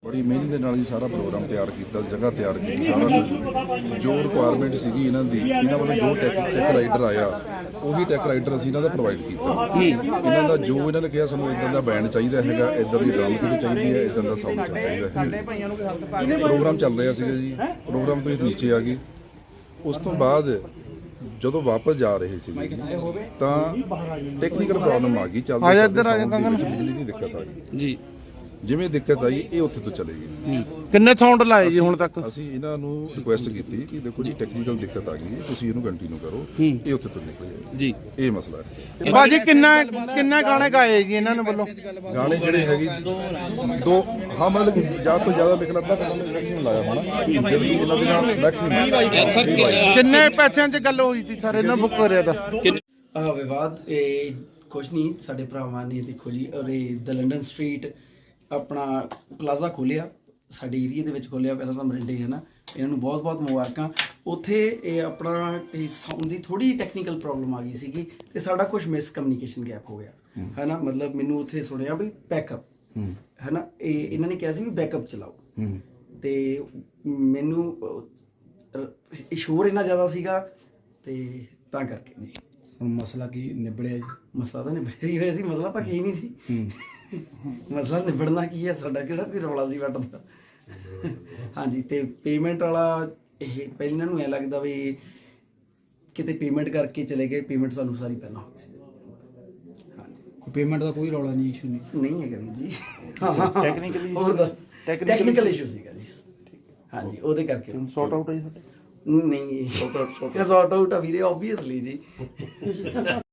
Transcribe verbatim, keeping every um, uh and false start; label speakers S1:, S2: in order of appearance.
S1: बड़ी मेहनत ਦੇ ਨਾਲ ਹੀ ਸਾਰਾ ਪ੍ਰੋਗਰਾਮ ਤਿਆਰ ਕੀਤਾ, ਜਗ੍ਹਾ ਤਿਆਰ ਕੀਤੀ, ਸਾਰਾ ਕੁਝ ਜੋ ਰਿਕੁਆਇਰਮੈਂਟ ਸੀਗੀ ਇਹਨਾਂ ਦੀ, ਇਹਨਾਂ ਵੱਲੋਂ ਜੋ ਟੈਕ ਟੈਕ ਰਾਈਡਰ ਆਇਆ ਉਹੀ ਟੈਕ ਰਾਈਡਰ ਅਸੀਂ ਇਹਨਾਂ ਦਾ ਪ੍ਰੋਵਾਈਡ ਕੀਤਾ। ਇਹਨਾਂ ਦਾ ਜੋ ਇਹਨਾਂ ਨੇ ਕਿਹਾ ਸਾਨੂੰ ਇਦਾਂ ਦਾ ਬੈਂਡ ਚਾਹੀਦਾ ਹੈਗਾ, ਇਦਾਂ ਦੀ ਡਰਮ ਕਿਟ ਚਾਹੀਦੀ ਹੈ, ਇਦਾਂ ਦਾ ਸਾਊਂਡ ਚਾਹੀਦਾ ਹੈ। ਪ੍ਰੋਗਰਾਮ ਚੱਲ ਰਿਹਾ ਸੀਗਾ ਜੀ, ਪ੍ਰੋਗਰਾਮ ਤੋਂ ਨੀਚੇ ਆ ਗਏ। ਉਸ ਤੋਂ ਬਾਅਦ ਜਦੋਂ ਵਾਪਸ ਜਾ ਰਹੇ ਸੀ ਤਾਂ ਟੈਕਨੀਕਲ ਪ੍ਰੋਬਲਮ ਆ ਗਈ, ਚੱਲਦੇ ਬਿਜਲੀ ਦੀ ਦਿੱਕਤ ਆ ਗਈ ਜੀ। ਜਿਵੇਂ ਦਿੱਕਤ ਆਈ ਇਹ ਉੱਥੇ ਤੋਂ ਚਲੇ ਗਈ।
S2: ਕਿੰਨੇ ਸਾਊਂਡ ਲਾਏ ਜੀ ਹੁਣ ਤੱਕ?
S1: ਅਸੀਂ ਇਹਨਾਂ ਨੂੰ ਰਿਕੁਐਸਟ ਕੀਤੀ ਕਿ ਦੇਖੋ ਜੀ ਟੈਕਨੀਕਲ ਦਿੱਕਤ ਆ ਗਈ, ਤੁਸੀਂ ਇਹਨੂੰ ਕੰਟੀਨਿਊ ਕਰੋ, ਇਹ ਉੱਥੇ ਤੋਂ ਨਿਕਲੇ ਜੀ। ਇਹ ਮਸਲਾ ਹੈ
S2: ਬਾਜੀ। ਕਿੰਨਾ ਕਿੰਨਾ ਗਾਣੇ ਗਾਏ ਜੀ ਇਹਨਾਂ ਨੇ ਵੱਲੋਂ?
S1: ਗਾਣੇ ਜਿਹੜੇ ਹੈਗੇ ਦੋ, ਹਾਂ ਮਤਲਬ ਕਿ ਜ਼ਿਆਦਾ ਤੋਂ ਜ਼ਿਆਦਾ ਮੇਰੇ ਲੱਗਦਾ ਮੈਕਸਿਮਮ ਲਾਇਆ ਹੋਣਾ, ਜਦ ਕਿ ਇਹਨਾਂ ਦੇ ਨਾਲ ਮੈਕਸਿਮਮ।
S2: ਕਿੰਨੇ ਪੈਸਿਆਂ 'ਚ ਗੱਲ ਹੋਈ ਸੀ ਸਰ ਇਹਨਾਂ ਬੁੱਕ ਕਰਿਆ ਤਾਂ?
S3: ਵਿਵਾਦ ਇਹ ਕੁਛ ਨਹੀਂ, ਸਾਡੇ ਭਰਾਵਾਂ ਨੇ ਦੇਖੋ ਜੀ, ਔਰ ਇਹ ਦ ਲੰਡਨ ਸਟਰੀਟ ਆਪਣਾ ਪਲਾਜ਼ਾ ਖੋਲਿਆ, ਸਾਡੇ ਏਰੀਏ ਦੇ ਵਿੱਚ ਖੋਲਿਆ ਪਹਿਲਾਂ ਤਾਂ ਮਰਿੰਡੇ ਹੈ ਨਾ, ਇਹਨਾਂ ਨੂੰ ਬਹੁਤ ਬਹੁਤ ਮੁਬਾਰਕਾਂ। ਉੱਥੇ ਇਹ ਆਪਣਾ ਇਹ ਸਾਊਂਡ ਦੀ ਥੋੜੀ ਟੈਕਨੀਕਲ ਪ੍ਰੋਬਲਮ ਆ ਗਈ ਸੀਗੀ ਤੇ ਸਾਡਾ ਕੁਝ ਮਿਸ ਕਮਿਊਨੀਕੇਸ਼ਨ ਗੈਪ ਹੋ ਗਿਆ ਹੈ ਨਾ। ਮਤਲਬ ਮੈਨੂੰ ਉੱਥੇ ਸੁਣਿਆ ਵੀ ਬੈਕਅਪ ਹੈ ਨਾ, ਇਹ ਇਹਨਾਂ ਨੇ ਕਿਹਾ ਸੀ ਵੀ ਬੈਕਅਪ ਚਲਾਓ, ਤੇ ਮੈਨੂੰ ਸ਼ੋਰ ਇੰਨਾ ਜ਼ਿਆਦਾ ਸੀਗਾ ਤੇ ਤਾਂ ਕਰਕੇ ਜੀ।
S4: ਹੁਣ ਮਸਲਾ ਕੀ ਨਿਬੜਿਆ ਜੀ?
S3: ਮਸਲਾ ਤਾਂ ਨਿਬੜਿਆ ਹੀ ਹੋਇਆ ਸੀ, ਮਸਲਾ ਤਾਂ ਕੀ ਨਹੀਂ ਸੀ। ਮਸਲਾ ਨਿਬੜਨਾ ਕੀ ਹੈ, ਸਾਡਾ ਕਿਹੜਾ ਵੀ ਰੌਲਾ ਸੀ ਵੱਟ ਦਾ। ਹਾਂਜੀ, ਤੇ ਪੇਮੈਂਟ ਵਾਲਾ ਇਹ ਪਹਿਲਾਂ ਇਹਨਾਂ ਨੂੰ ਐ ਲੱਗਦਾ ਵੀ ਕਿਤੇ ਪੇਮੈਂਟ ਕਰਕੇ ਚਲੇ ਗਏ, ਪੇਮੈਂਟ ਸਾਨੂੰ ਸਾਰੀ ਪਹਿਲਾਂ ਹੋ ਗਈ ਸੀ।
S4: ਕੋਈ ਪੇਮੈਂਟ ਦਾ ਕੋਈ ਰੌਲਾ ਨਹੀਂ, ਇਸ਼ੂ ਨਹੀਂ
S3: ਨਹੀਂ ਹੈਗਾ ਵੀਰ ਜੀ। ਟੈਕਨੀਕਲੀ ਹੋਰ ਦੱਸ, ਟੈਕਨੀਕਲ ਇਸ਼ੂ ਸੀਗਾ ਜੀ। ਹਾਂਜੀ, ਉਹਦੇ ਕਰਕੇ
S2: ਸੌਟ ਆਊਟ ਹੈ ਜੀ
S3: ਨਹੀਂ, ਸੌਟ ਆਊਟ ਆ ਵੀਰੇ, ਓਬਵੀਅਸਲੀ ਜੀ।